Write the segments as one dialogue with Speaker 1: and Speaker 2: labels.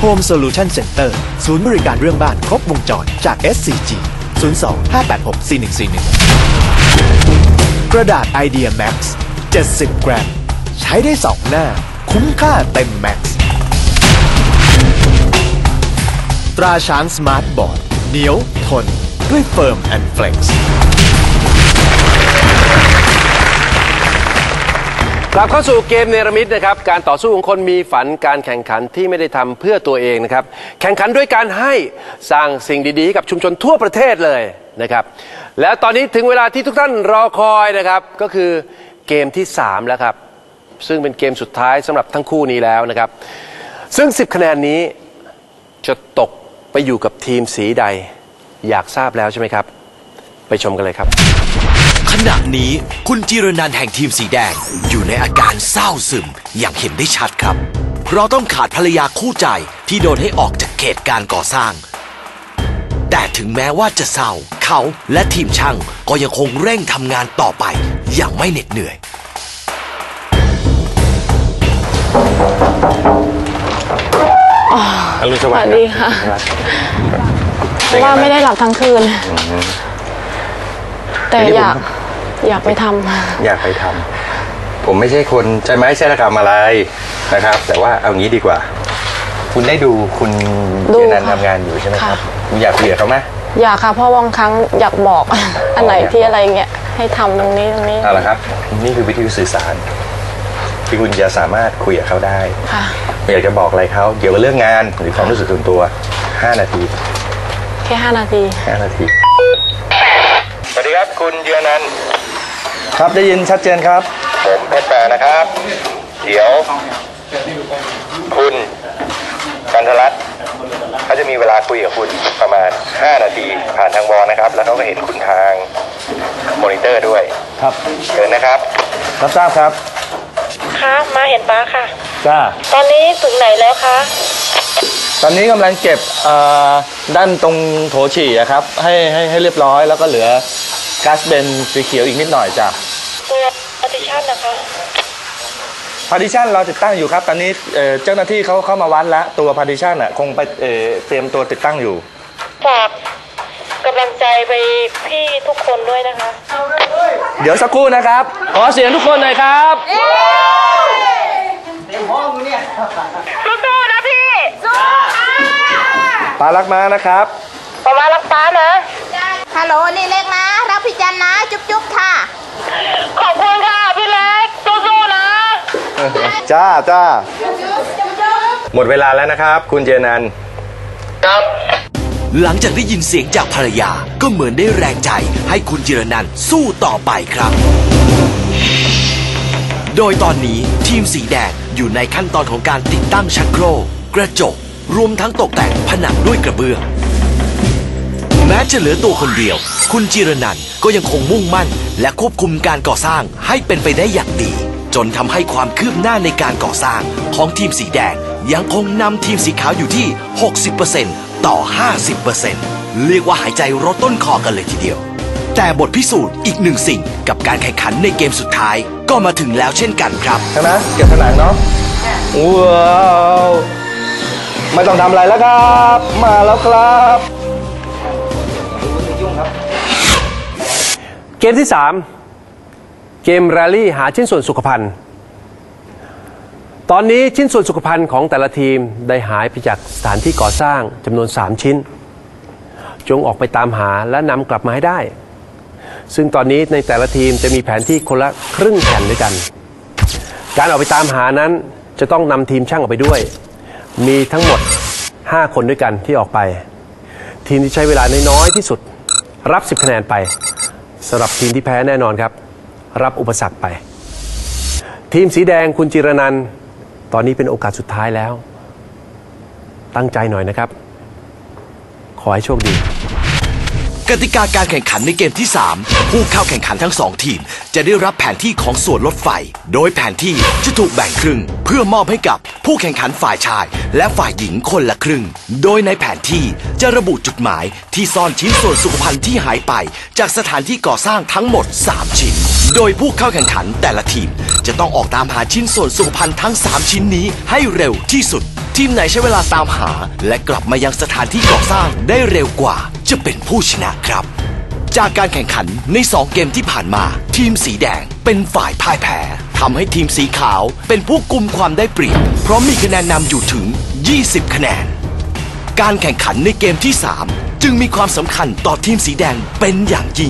Speaker 1: Home Solution Center ศูนย์บริการเรื่องบ้านครบวงจรจาก SCG 02-586-4141 กระดาษ Idea Max 70 กรัมใช้ได้2 หน้าคุ้มค่าเต็มแม็กซ์ตราช้างสมาร์ทบอร์ดเหนียวทนด้วยเฟิร์มแอนด์เฟล็กซ์
Speaker 2: กลับเข้าสู่เกมเนรมิตนะครับการต่อสู้ของคนมีฝันการแข่งขันที่ไม่ได้ทำเพื่อตัวเองนะครับแข่งขันด้วยการให้สร้างสิ่งดีๆกับชุมชนทั่วประเทศเลยนะครับแล้วตอนนี้ถึงเวลาที่ทุกท่านรอคอยนะครับก็คือเกมที่3แล้วครับซึ่งเป็นเกมสุดท้ายสำหรับทั้งคู่นี้แล้วนะครับซึ่ง10คะแนนนี้จะตกไปอยู่กับทีมสีใดอยากทราบแล้วใช่ไหมครับไปชมกันเลยครับ
Speaker 3: ขณะนี้คุณจิรนันท์แห่งทีมสีแดงอยู่ในอาการเศร้าซึมอย่างเห็นได้ชัดครับเพราะต้องขาดภรรยาคู่ใจที่โดนให้ออกจากเขตการก่อสร้างแต่ถึงแม้ว่าจะเศร้าเขาและทีมช่างก็ยังคงเร่งทำงานต่อไปอย่างไม่เหน็ดเหนื่อย
Speaker 4: สวัสดีค่ะว่าไม่ได้หลับทั้งคืนแต่อยากไปทำ
Speaker 5: อยากไปทำผมไม่ใช่คนใจไม้ใช่ระกรรมอะไรนะครับแต่ว่าเอางี้ดีกว่าคุณได้ดูคุณเจนันทำงานอยู่ใช่ไหมครับคุณอยากคุยกับเขาไหม
Speaker 4: อยากค่ะเพราะบางครั้งอยากบอกอันไหนที่อะไรเงี้ยให้ทำตรงนี้
Speaker 5: เอาละครับนี่คือวิธีสื่อสารที่คุณจะสามารถคุยกับเขาได้อยากจะบอกอะไรเขาเกี่ยวกับเรื่องงานหรือความรู้สึกส่วนตัว5 นาที
Speaker 4: แค่5 นาที
Speaker 5: 5 นาทีสวัสดีครับคุณเจนันท์ครับได้ยินชัดเจนครับผมเพชรแปรนะครับเดี๋ยวคุณกันทรัตน์เขาจะมีเวลาคุยกับคุณประมาณ5 นาทีผ่านทางวอลนะครับแล้วเขาก็เห็นคุณทางมอนิเตอร์ด้วยครับเชิญนะครับรับทราบครับ
Speaker 6: ค่ะมาเห็นป้าค่ะ
Speaker 5: จ้า
Speaker 6: ตอนนี้ถึงไหนแล้วคะ
Speaker 5: ตอนนี้กำลังเก็บด้านตรงโถฉี่ครับให้เรียบร้อยแล้วก็เหลือก๊าซเบนสีเขียวอีกนิดหน่อยจ้ะ
Speaker 6: ตัวพาร์ติชันนะคะ
Speaker 5: พาร์ติชันเราติดตั้งอยู่ครับตอนนี้เจ้าหน้าที่เขาเข้ามาวัดแล้วตัวพาร์ติชันคงไปเตรียมตัวติดตั้งอยู่
Speaker 6: ฝากกำลังใจไปพี่ทุกคนด้วยนะคะ
Speaker 5: เดี๋ยวสักครู่นะครับขอเสียงทุกคนหน่อยครับเต็มห้องเนี่ย
Speaker 6: สู้ๆนะพี่
Speaker 5: ป้ารักมานะครับ
Speaker 6: ป้ารักป้านะ
Speaker 7: ฮัลโหลนี่เล็กนะรักพี่จันนะจุ๊บค่ะ
Speaker 6: ขอบคุณค่ะพี่เล็กสู้ๆนะ
Speaker 5: จ้าหมดเวลาแล้วนะครับคุณเจนันท์
Speaker 3: ครับหลังจากได้ยินเสียงจากภรรยาก็เหมือนได้แรงใจให้คุณจิรนันท์สู้ต่อไปครับโดยตอนนี้ทีมสีแดงอยู่ในขั้นตอนของการติดตั้งชักโครกกระจกรวมทั้งตกแต่งผนังด้วยกระเบื้องแม้จะเหลือตัวคนเดียวคุณจิรนันท์ก็ยังคงมุ่งมั่นและควบคุมการก่อสร้างให้เป็นไปได้อย่างดีจนทำให้ความคืบหน้าในการก่อสร้างของทีมสีแดงยังคงนำทีมสีขาวอยู่ที่ 60% ต่อ 50% เรียกว่าหายใจรดต้นคอกันเลยทีเดียวแต่บทพิสูจน์อีกหนึ่งสิ่งกับการแข่งขันในเกมสุดท้ายก็มาถึงแล้วเช่นกันครับ
Speaker 5: ใช่ไหมเก็บผนังเนาะว้าวไม่ต้องทำอะไรแล้วครับมาแล้วครับ
Speaker 2: เกมที่3เกมแรลลี่หาชิ้นส่วนสุขภัณฑ์ตอนนี้ชิ้นส่วนสุขภัณฑ์ของแต่ละทีมได้หายไปจากสถานที่ก่อสร้างจำนวน3 ชิ้นจงออกไปตามหาและนำกลับมาให้ได้ซึ่งตอนนี้ในแต่ละทีมจะมีแผนที่คนละครึ่งแผ่นด้วยกันการออกไปตามหานั้นจะต้องนำทีมช่างออกไปด้วยมีทั้งหมด5 คนด้วยกันที่ออกไปทีมที่ใช้เวลาน้อยที่สุดรับ10 คะแนนไปสำหรับทีมที่แพ้แน่นอนครับรับอุปสรรคไปทีมสีแดงคุณจิรนันท์ตอนนี้เป็นโอกาสสุดท้ายแล้วตั้งใจหน่อยนะครับขอให้โชคดี
Speaker 3: กติกาการแข่งขันในเกมที่3ผู้เข้าแข่งขันทั้ง2ทีมจะได้รับแผนที่ของส่วนรถไฟโดยแผนที่จะถูกแบ่งครึ่งเพื่อมอบให้กับผู้แข่งขันฝ่ายชายและฝ่ายหญิงคนละครึ่งโดยในแผนที่จะระบุจุดหมายที่ซ่อนชิ้นส่วนสุขภัณฑ์ที่หายไปจากสถานที่ก่อสร้างทั้งหมด3 ชิ้นโดยผู้เข้าแข่งขันแต่ละทีมจะต้องออกตามหาชิ้นส่วนสุขภัณฑ์ทั้ง3 ชิ้นนี้ให้เร็วที่สุดทีมไหนใช้เวลาตามหาและกลับมายังสถานที่ก่อสร้างได้เร็วกว่าจะเป็นผู้ชนะครับจากการแข่งขันใน2เกมที่ผ่านมาทีมสีแดงเป็นฝ่ายพ่ายแพ้ทำให้ทีมสีขาวเป็นผู้กุมความได้เปรียบเพราะมีคะแนนนำอยู่ถึง20คะแนนการแข่งขันในเกมที่3จึงมีความสำคัญต่อทีมสีแดงเป็นอย่างยิ่ง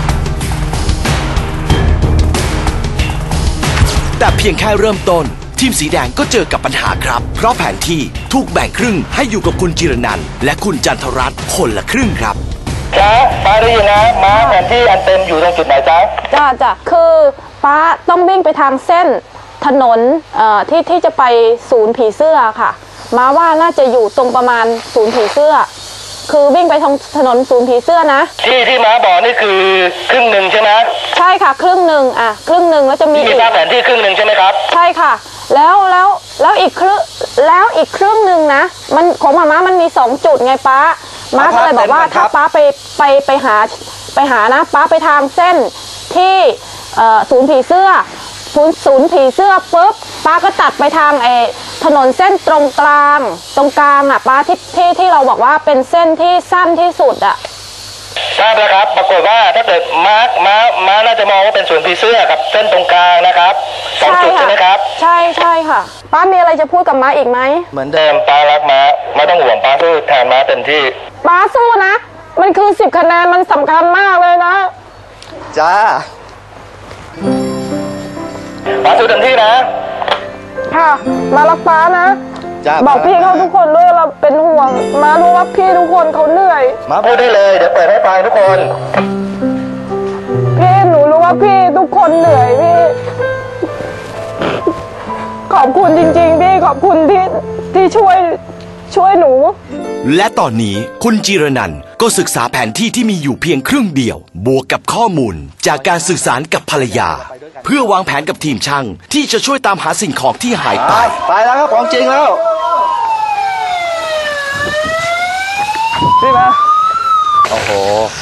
Speaker 3: แต่เพียงแค่เริ่มต้นทีมสีแดงก็เจอกับปัญหาครับเพราะแผนที่ถูกแบ่งครึ่งให้อยู่กับคุณจิรนันท์และคุณจันทรัตน์คนละครึ่งครับ
Speaker 5: จ้าป้าได้ยินนะม้าแผนที่อันเต็มอยู่ตรงจุดไหนจ๊ะ
Speaker 4: จ้ะคือป้าต้องวิ่งไปทางเส้นถนนที่จะไปศูนย์ผีเสื้อค่ะม้าว่าน่าจะอยู่ตรงประมาณศูนย์ผีเสื้อคือวิ่งไปทางถนนศูนย์ผีเสื้อนะ
Speaker 5: ที่ม้าบอกนี่คือครึ่งหนึ่งใช่ไหม
Speaker 4: ใช่ค่ะครึ่งหนึ่งครึ่งหนึ่งแล้วจะมี
Speaker 5: ภาพแผนที่ครึ่งหนึ่งใช่ไหมครับ
Speaker 4: ใช่ค่ะแล้วอีกครึ่งหนึ่งนะมันของม้ามันมี2จุดไงป้าม้าก็เลยบอกว่าถ้าป้าไปหานะป้าไปทางเส้นที่ศูนย์ผีเสื้อปุ๊บป้าก็ตัดไปทางถนนเส้นตรงกลางป้าที่เราบอกว่าเป็นเส้นที่สั้นที่สุด
Speaker 5: ทราบแล้วครับปรากฏว่าถ้าเกิดม้าน่าจะมองว่าเป็นศูนย์ผีเสื้อกับเส้นตรงกลางนะครับ2จุดใช่ไหมครับ
Speaker 4: ใช่ค่ะป้ามีอะไรจะพูดกับม้าอีกไหม
Speaker 5: เหมือนเดิมป้ารักม้าไม่ต้องห่วงป้าสู้แทนม้าเต็มที่
Speaker 4: ป้าสู้นะมันคือ10คะแนนมันสำคัญมากเลยนะ
Speaker 5: จ้าป้าสู้เต็มที่นะ
Speaker 4: ค่ะมารักป้านะบอกพี่เขาทุกคนด้วยเราเป็นห่วงมารู้ว่าพี่ทุกคนเขาเหนื่อย
Speaker 5: มาพูดได้เลยเดี๋ยวเปิดให้ฟังทุกคน
Speaker 4: พี่หนูรู้ว่าพี่ทุกคนเหนื่อยพี่ขอบคุณจริงๆพี่ขอบคุณที่ช่วยหนู
Speaker 3: และตอนนี้คุณจิรนันท์ก็ศึกษาแผนที่ที่มีอยู่เพียงครึ่งเดียวบวกกับข้อมูลจากการสื่อสารกับภรรยาเพื่อวางแผนกับทีมช่างที่จะช่วยตามหาสิ่งของที่หายไป
Speaker 5: แล้วครับของจริงแล้วนี่นะโอ้โห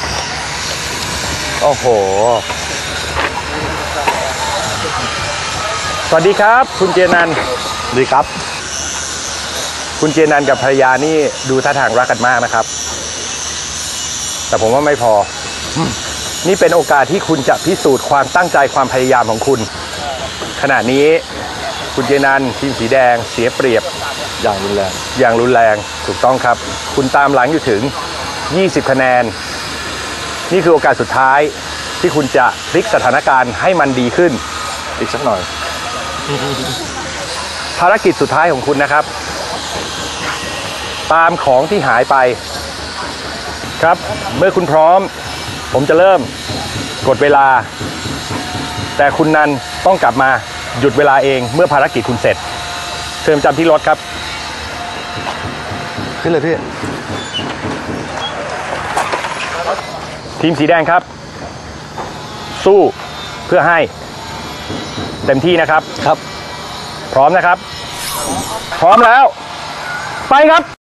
Speaker 2: สวัสดีครับคุณเจนันท์
Speaker 5: ดีครับ
Speaker 2: คุณเจนันท์กับภรรยานี่ดูท่าทางรักกันมากนะครับแต่ผมว่าไม่พอนี่เป็นโอกาสที่คุณจะพิสูจน์ความตั้งใจความพยายามของคุณขณะนี้คุณเจนันท์ทีมสีแดงเสียเปรียบ
Speaker 5: อย่างรุน
Speaker 2: แรงถูกต้องครับคุณตามหลังอยู่ถึง20คะแนนนี่คือโอกาสสุดท้ายที่คุณจะพลิกสถานการณ์ให้มันดีขึ้น
Speaker 5: อีกสักหน่อย
Speaker 2: ภารกิจสุดท้ายของคุณนะครับตามของที่หายไปครับเมื่อคุณพร้อมผมจะเริ่มกดเวลาแต่คุณนันต้องกลับมาหยุดเวลาเองเมื่อภารกิจคุณเสร็จเชิญจำที่รถครับ
Speaker 5: ขึ้นเลยพี่
Speaker 2: ทีมสีแดงครับสู้เพื่อให้เต็มที่นะครับ
Speaker 5: ครับ
Speaker 2: พร้อมนะครับพร้อมแล้วไปครับ